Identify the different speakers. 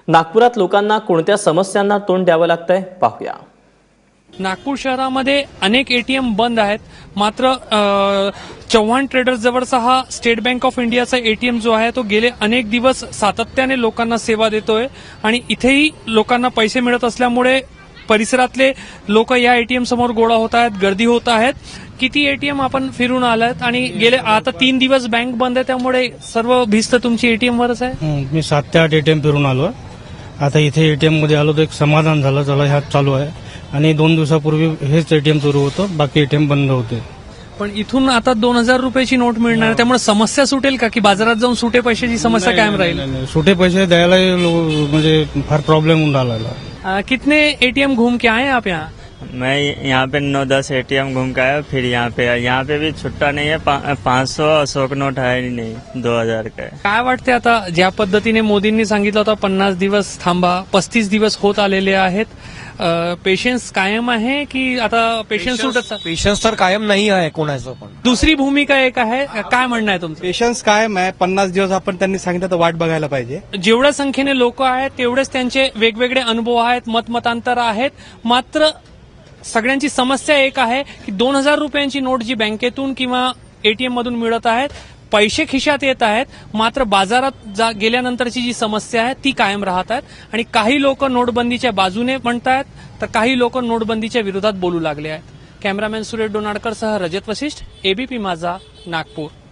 Speaker 1: नागपुरात लोकांना कोणत्या समस्यांना तोंड द्यावं लागतंय पाहूया।
Speaker 2: नागपूर शहरामध्ये अनेक एटीएम बंद आहेत, मात्र चव्हाण ट्रेडर्स जवळचा हा स्टेट बँक ऑफ इंडियाचा एटीएम जो आहे तो गेले अनेक दिवस सातत्याने लोकांना सेवा देतोय आणि इथेही लोकांना पैसे मिळत असल्यामुळे परिसरातले लोक या एटीएम समोर गोळा होत आहेत, गर्दी होत आहेत। किती एटीएम आपण फिरून आलात आणि गेले आता 3 दिवस बँक बंद आहे, त्यामुळे सर्व भिस्त तुमची एटीएम वरच आहे।
Speaker 3: मी 7 ते 8 एटीएम फिरून आलो। आता इथे एटीएम मध्ये आलो तर एक समाधान झालं, चला ह्यात चालू आहे। आणि 2 दिवसापूर्वी हेच एटीएम सुरू होतं, बाकी एटीएम बंद होते।
Speaker 2: पण इथून आता 2000 रुपयाची नोट मिळणार, त्यामुळे समस्या सुटेल का की बाजारात जाऊन सुटे पैशाची समस्या कायम राहील?
Speaker 3: नाही, सुटे पैसे द्यायला म्हणजे फार प्रॉब्लेम होऊन राहिला।
Speaker 2: कितने एटीएम घूम के आए आप यहाँ?
Speaker 4: मैं यहाँ पे 9-10 एटीएम घूम के आया, फिर यहाँ पे भी छुट्टा नहीं है। 500 अशोक नोट है ही नहीं, 2000 का है।
Speaker 2: काय वाटते आता ज्या पद्धतीने मोदींनी सांगितलं होतं 50 दिवस थांबा, 35 दिवस होत आलेले आहेत, पेशन्स कायम आहे की आता पेशन्स सुटत?
Speaker 5: पेशन्स तर कायम नाही आहे कोणाचं पण।
Speaker 2: दुसरी भूमिका एक आहे, काय म्हणणं आहे तुमचं?
Speaker 6: पेशन्स कायम आहे, 50 दिवस आपण त्यांनी सांगितलं तर वाट बघायला पाहिजे।
Speaker 2: जेवढ्या संख्येने लोक आहेत तेवढेच त्यांचे वेगवेगळे अनुभव आहेत, मतमतांतर आहेत, मात्र सगळ्यांची समस्या एक आहे की 2000 रुपयांची नोट जी बँकेतून किंवा एटीएम मधून मिळत आहेत, पैसे खिशात येत आहेत, मात्र बाजारात गेल्यानंतरची जी समस्या आहे ती कायम राहत आहेत। आणि काही लोक नोटबंदीच्या बाजूने म्हणतायत तर काही लोक नोटबंदीच्या विरोधात बोलू लागले आहेत। कॅमेरामॅन सुरेश डोनाडकर सह रजत वशिष्ठ, एबीपी माझा, नागपूर।